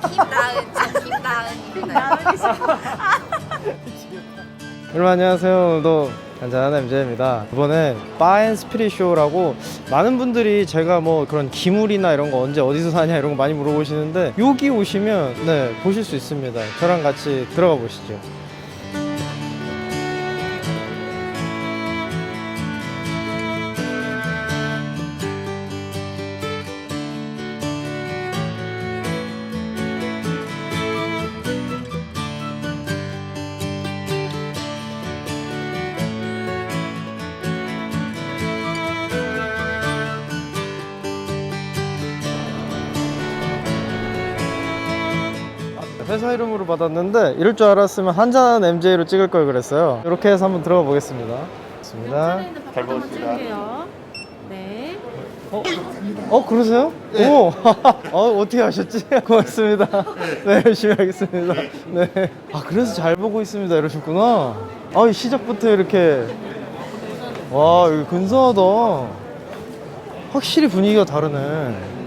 김나은입니다. 여러분 안녕하세요. 오늘도 한잔하는 MJ입니다. 이번에 바앤스피릿 쇼라고 많은 분들이 제가 뭐 그런 기물이나 이런 거 언제 어디서 사냐 이런 거 많이 물어보시는데 여기 오시면 네 보실 수 있습니다. 저랑 같이 들어가 보시죠. 회사 이름으로 받았는데 이럴 줄 알았으면 한잔 MJ로 찍을 걸 그랬어요. 이렇게 해서 한번 들어가 보겠습니다. 좋습니다. 잘 먹었습니다. 네. 그러세요? 네. 오, 어떻게 하셨지? 고맙습니다. 네, 열심히 하겠습니다. 네. 아, 그래서 잘 보고 있습니다. 이러셨구나. 아, 시작부터 이렇게. 와, 여기 근사하다. 확실히 분위기가 다르네.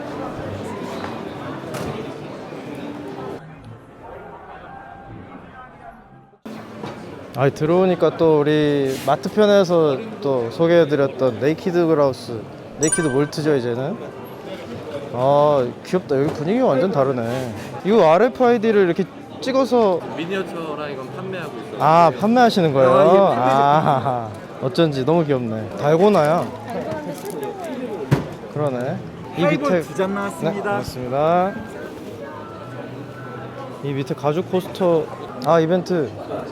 아, 들어오니까 또 우리 마트 편에서 또 소개해드렸던 네이키드 그라우스, 네이키드 몰트죠 이제는. 아, 귀엽다. 여기 분위기가 완전 다르네. 이거 RFID를 이렇게 찍어서 미니어처랑 이건 판매하고 있어요. 아, 판매하시는 거예요? 아, 어쩐지 너무 귀엽네. 달고나야. 그러네. 이 밑에 두 잔 네, 나왔습니다. 고맙습니다. 이 밑에 가죽 포스터. 아, 이벤트.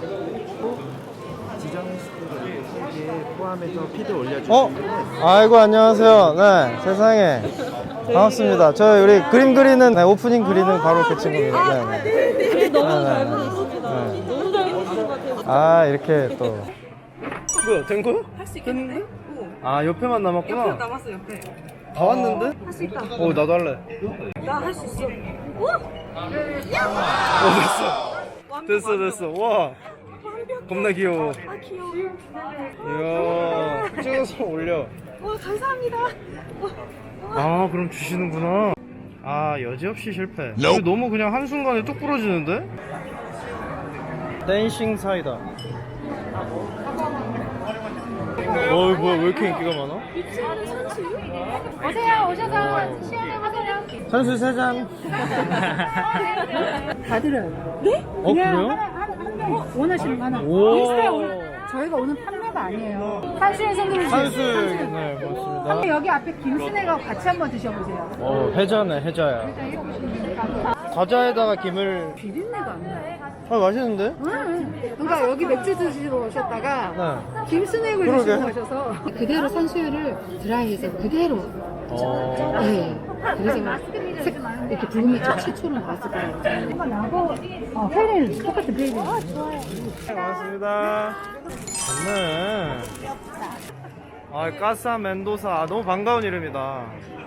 포함해서 피드 올려주시면 아이고 안녕하세요. 네, 세상에 반갑습니다. 저 우리 그림 그리는 네, 오프닝 그리는 바로 그 친구입니다. 네, 네. 너무 네, 잘 네. 보내셨습니다. 네. 너무 잘 보내신 것 같아요. 아, 이렇게 또 뭐야, 된 거요? 할 수 있겠는데? 아, 옆에만 남았구나. 옆에 남았어, 옆에. 다 왔는데? 할 수 있다. 나도 할래. 나 할 수 있어. 됐어. 됐어. 와, 겁나 귀여워. 아, 귀여워. 이야, 찍어서 올려. 와, 감사합니다. 아, 그럼 주시는구나. 아, 여지없이 실패. 이거 너무 그냥 한순간에 뚝 부러지는데? 댄싱 사이다. 뭐야, 왜 이렇게 인기가 많아? 오세요, 오셔서 시연해보세요. 선수 3잔. 다 드려요. 네? 그래요? 원하시는 거 하나. 오. 인스타에 저희가 오늘 판매가 아니에요. 한수에 선물을 산수. 주세요. 네, 고맙습니다. 한번 여기 앞에 김순애가 같이 한번 드셔보세요. 해자네, 해자야. 과자에다가 김을. 비린내가 안 나요. 아, 맛있는데? 그러니까 여기 맥주 드시러 오셨다가 네. 김순애를 그러게. 드시러 오셔서 그대로 산수유를 드라이해서 그대로. 네. 그래서 이렇게 붉은 최초로 나왔을 거라고. 한번 나고 페레를 똑같은 페레. 네, 고맙습니다. 좋네. 아, 까사 멘도사. 너무 반가운 이름이다.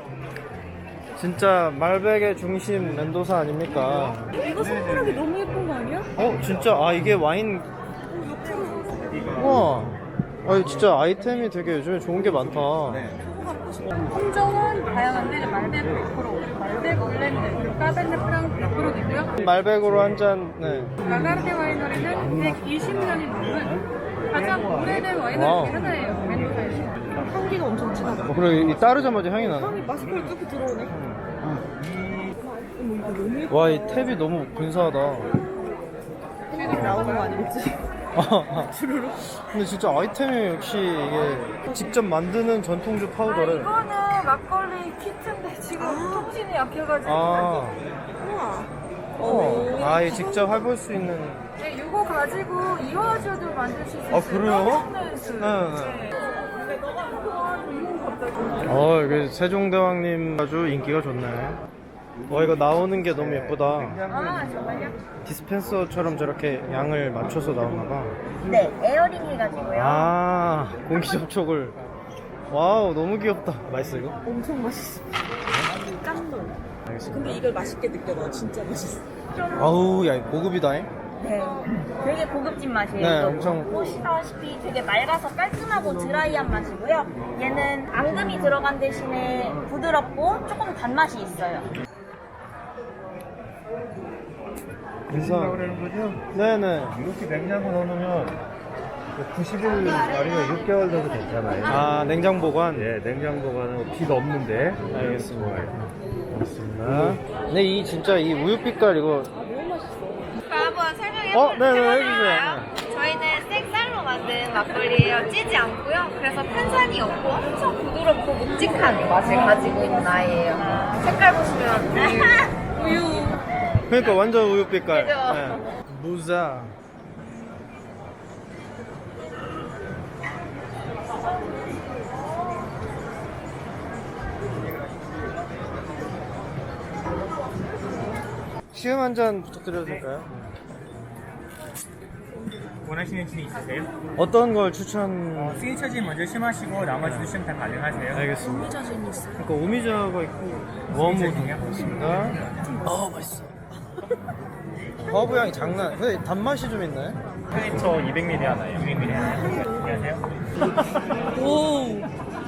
진짜 말백의 중심 멘도사 아닙니까? 이거 선물하기 너무 예쁜 거 아니야? 진짜. 이게 와인. 우와. 진짜 아이템이 되게 요즘에 좋은 게 많다. 품종은 다양한데 말백 100%, 말백 올랜드, 그리고 까베르네 프랑스 100%도 있고요. 말백으로 한 잔. 네. 라가르데 와이너리는 120년이 넘은 가장 오래된 와이너리 와우. 중에 하나예요. 멘도사에서. 향기가 엄청 진하고. 그리고 이 따르자마자 향이 나네. 향이 마스크를 뚫고 들어오네. 와, 이 탭이 너무 근사하다. 이 나오는 거 아니겠지? 근데 진짜 아이템이 역시 이게 직접 만드는 전통주 파우더래. 이거는 막걸리 키트인데 지금 통신이 약해가지고. 우와. 이 직접 해볼 수 있는. 네, 이거 가지고 이화주도 만들 수 있어요. 그래요? 네. 이게 세종대왕님 아주 인기가 좋네. 이거 나오는 게 너무 예쁘다. 아, 정말요? 디스펜서처럼 저렇게 양을 맞춰서 나오나봐. 네, 에어링 해가지고요. 공기 접촉을. 와우, 너무 귀엽다. 맛있어, 이거? 엄청 맛있어. 깜놀. 알겠습니다. 근데 이걸 맛있게 느껴. 너 진짜 맛있어. 아우, 야, 고급이다잉. 네, 되게 고급진 맛이에요. 네, 또 엄청. 보시다시피 되게 맑아서 깔끔하고 드라이한 맛이고요. 얘는 앙금이 들어간 대신에 부드럽고 조금 단맛이 있어요. 그래서 그러는 거죠? 네네. 이렇게 냉장고 넣어놓으면 90일 아니면 6개월 정도 괜찮아요. 아 냉장 보관. 네, 냉장고 보관은 비가 없는데. 알겠습니다. 알겠습니다. 근데 이 진짜 이 우유 빛깔 이거. 한번 설명해 네네 해주세요. 저희는 생쌀로 만든 막걸리예요. 찌지 않고요. 그래서 탄산이 없고 엄청 부드럽고 묵직한 맛을 가지고 있는 아이예요. 색깔 보시면 우유. 그러니까 완전 우유 빛깔. 그죠? 네. 무자. 시음 한 잔 부탁드려도 될까요? 원하시는 진 있으세요? 어떤 걸 추천? 시그니처 진 먼저 심하시고 나머지도 심 다 가능하세요. 알겠습니다. 오미자 진 있어요. 그러니까 오미자가 있고 워무도 있습니다. 맛있어. 허브 향이 장난. 근데 단맛이 좀 있나요? 시그니처 200ml 하나요. 200ml 하나요. 안녕하세요.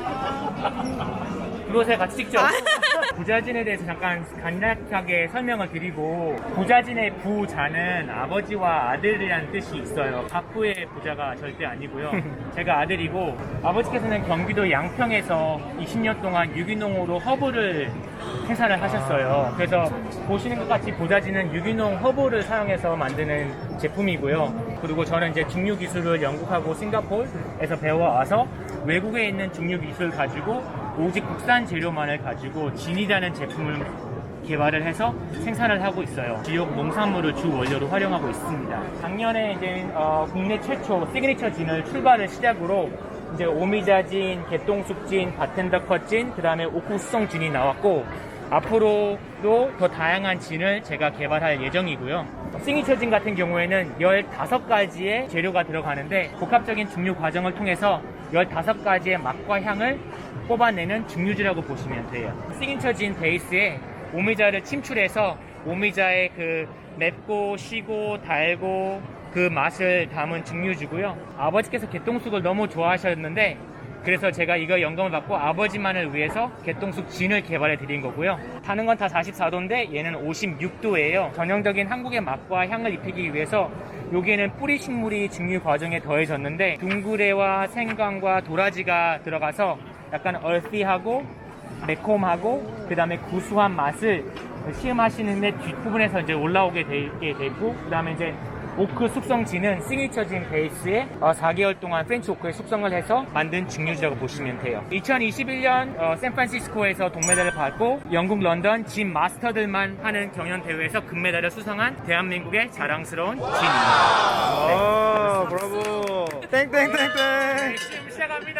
그곳에 같이 찍죠. 부자진에 대해서 잠깐 간략하게 설명을 드리고, 부자진의 부자는 아버지와 아들이라는 뜻이 있어요. 박부의 부자가 절대 아니고요. 제가 아들이고, 아버지께서는 경기도 양평에서 20년 동안 유기농으로 허브를 생산을 하셨어요. 그래서 보시는 것 같이 부자진은 유기농 허브를 사용해서 만드는 제품이고요. 그리고 저는 이제 중류 기술을 영국하고 싱가포르에서 배워와서 외국에 있는 중류 기술을 가지고 오직 국산 재료만을 가지고 진이라는 제품을 개발을 해서 생산을 하고 있어요. 지역 농산물을 주 원료로 활용하고 있습니다. 작년에 이제 국내 최초 시그니처 진을 출발을 시작으로 이제 오미자진, 개똥쑥진, 바텐더컷진, 그 다음에 옥구수성 진이 나왔고, 앞으로도 더 다양한 진을 제가 개발할 예정이고요. 시그니처 진 같은 경우에는 15가지의 재료가 들어가는데 복합적인 증류 과정을 통해서 15가지의 맛과 향을 뽑아내는 증류주라고 보시면 돼요. 시그니처 진 베이스에 오미자를 침출해서 오미자의 그 맵고 시고 달고 그 맛을 담은 증류주고요. 아버지께서 개똥쑥을 너무 좋아하셨는데 그래서 제가 이거 영감을 받고 아버지만을 위해서 개똥쑥 진을 개발해 드린 거고요. 타는 건 다 44도인데 얘는 56도예요. 전형적인 한국의 맛과 향을 입히기 위해서 여기에는 뿌리 식물이 증류 과정에 더해졌는데 둥그레와 생강과 도라지가 들어가서 약간 얼씨하고 매콤하고 그 다음에 구수한 맛을 시음하시는데 뒷부분에서 이제 올라오게 돼 있고, 그 다음에 이제 오크 숙성진은 시그니처 진 베이스에 4개월 동안 프렌치 오크에 숙성을 해서 만든 증류주라고 보시면 돼요. 2021년 샌프란시스코에서 동메달을 받고 영국 런던 진 마스터들만 하는 경연 대회에서 금메달을 수상한 대한민국의 자랑스러운 진입니다. 아, 브라보. 땡땡땡땡. 지금 시작합니다.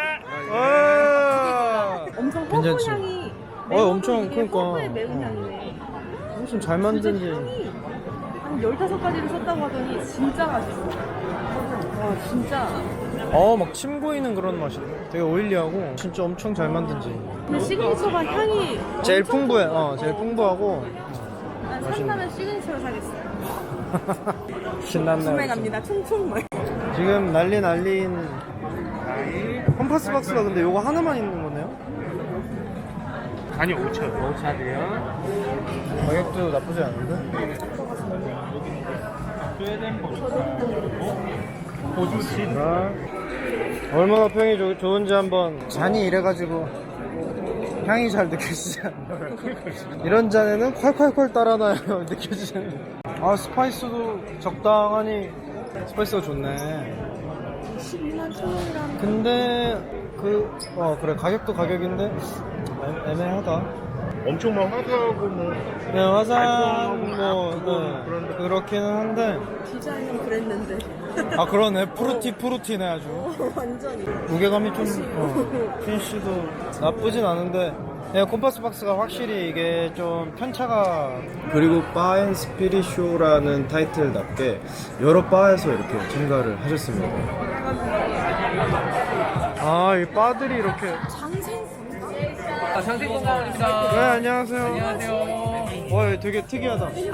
엄청 허브 괜찮지? 향이 엄청 그러니까. 허브의 매운 향이네. 엄청 잘 만든지. 향이 한 15가지를 썼다고 하더니 진짜 맛있어. 와 진짜. 막 침 고이는 그런 맛이네. 되게 오일리하고 진짜 엄청 잘 만든지. 근데 시그니처가 향이 제일 엄청 풍부해. 좋아. 제일 풍부하고. 난 산다면 시그니처를 사겠어요. 신났네. 구매 갑니다. 총총 뭐. 지금 날린 컴파스 박스가 근데 요거 하나만 있는 거네요? 아니 5차도요. 가격도 나쁘지 않은데? 얼마나 평이 좋은지 한번. 잔이 이래가지고 향이 잘 느껴지지 않아요. 이런 잔에는 콸콸콸 따라나요. 느껴지는. 스파이스도 적당하니 스파이스가 좋네. 12만 천원이라는. 근데 그래 가격도 가격인데 애매하다. 엄청 막 화사하고 뭐. 네, 화장 그렇기는 한데. 디자인은 그랬는데. 그러네. 프루티네 아주. 완전히. 무게감이 좀 핀시도 나쁘진 않은데 콤파스 박스가 확실히 이게 좀 편차가. 그리고 바앤스피릿쇼라는 타이틀답게 여러 바에서 이렇게 참가를 하셨습니다. 이 바들이 이렇게. 장생건강입니다. 네, 안녕하세요. 안녕하세요. 와, 되게 특이하다. 네.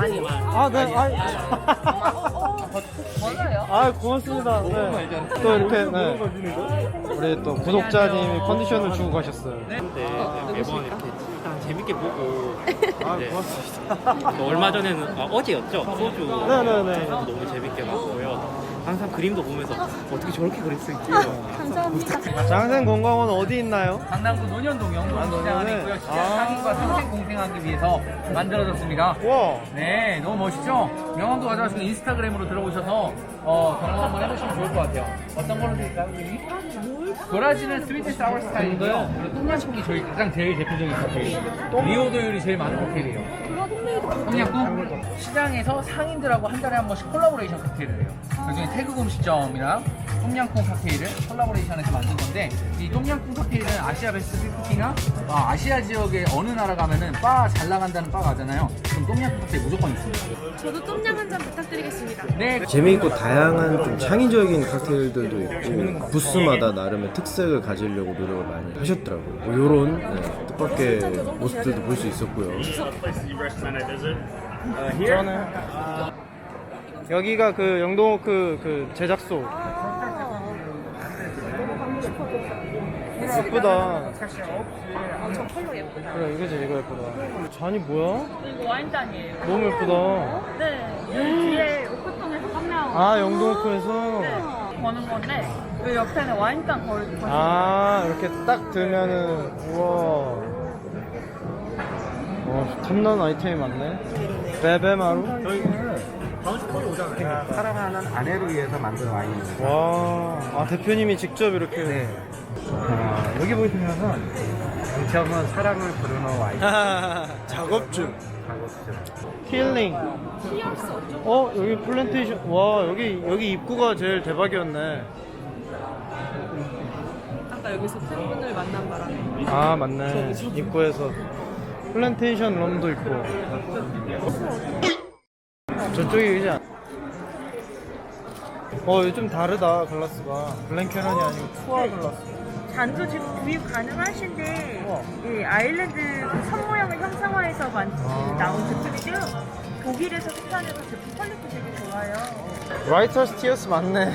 고맙습니다. 네. 또 이렇게, 우리 또 구독자님이 컨디션을 주고 가셨어요. 매번 이렇게 일단 재밌게 보고 아, 네. 고맙습니다. 또 얼마 전에는 어제였죠? 소주 네네네. 너무 재밌게 봤고요. 항상 그림도 보면서 어떻게 저렇게 그릴 수 있지? 장생공강원 어디 있나요? 강남구 논현동 영동시장 안에 논현에? 있고요. 시장 아. 상인과 평생 공생하기 위해서 만들어졌습니다. 와. 네, 너무 멋있죠? 명함도 가져가시고 인스타그램으로 들어오셔서 경험 한번 해보시면 좋을 것 같아요. 어떤 걸로 드릴까요, 선생님? 도라지는 스위트 사워 스타일인데요. 그리고 똥냥꿍이 저희 가장 제일 대표적인 칵테일이에요. 리오도율이 제일 많은 칵테일이에요. 똥냥꿍 시장에서 상인들하고 한 달에 한 번씩 콜라보레이션 칵테일을 해요. 그중에 태국 음식점이랑 똥냥꿍 칵테일을 콜라보레이션해서 만든 건데 이 똥냥꿍 칵테일은 아시아 베스트 50나 아시아 지역의 어느 나라 가면은 바 잘 나간다는 바 가잖아요. 그럼 똥냥꿍 칵테일 무조건 있습니다. 저도 똠양 한 잔 부탁드리겠습니다. 네. 재미있고 다양한 좀 창의적인 칵테일들도 있고 부스마다 나름의 특색을 가지려고 노력을 많이 하셨더라고요. 뭐 요런 뜻밖의 모습들도 볼 수 있었고요. 저는 여기가 그 영동호크 그 제작소. 예쁘다. 저 컬러 예쁘다. 그래 이거지 이거 예쁘다. 잔이 뭐야? 이거 와인잔이에요. 너무 예쁘다. 네. 뒤에 오크통에서 판매하고 아 영동호크에서. 버는 건데 그 옆에는 와인잔 거의 아 이렇게 딱 들면은 우와. 와 탐나는 아이템이 많네. 베베마루. 사랑하는 아내를 위해서 만든 와인입니다. 와. 아 대표님이 직접 이렇게. 네. 여기 보시면은 정체험은 사랑을 부르는 와인. 작업 중. 힐링. 여기 플랜테이션. 와 여기 입구가 제일 대박이었네. 아까 여기서 팬분을 만난 바람에 아 맞네. 입구에서 플랜테이션 럼도 있고. 저쪽이 이제 이거 좀 다르다 글라스가. 블랭캐런이 아니고 투아 글라스. 잔도 지금 구입 가능하신데 우와. 이 아일랜드 그 선 모양을 형상화해서 나온 제품이고요. 독일에서 생산해서 제품 퀄리티 되게 좋아요. 라이터스 티어스 맞네.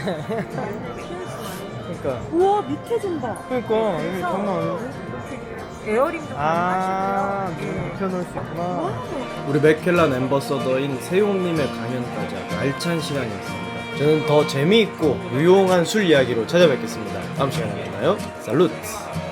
그러니까 우와 밑에 좀 봐. 그러니까 여기 장난 아닌데? 에어링도 아, 가능하시고요. 눕혀놓을 수 있구나. 우리 맥켈란 앰버서더인 세용님의 강연까지 아주 알찬 시간이었습니다. 저는 더 재미있고 유용한 술 이야기로 찾아뵙겠습니다. 다음 시간에 만나요. 살루트!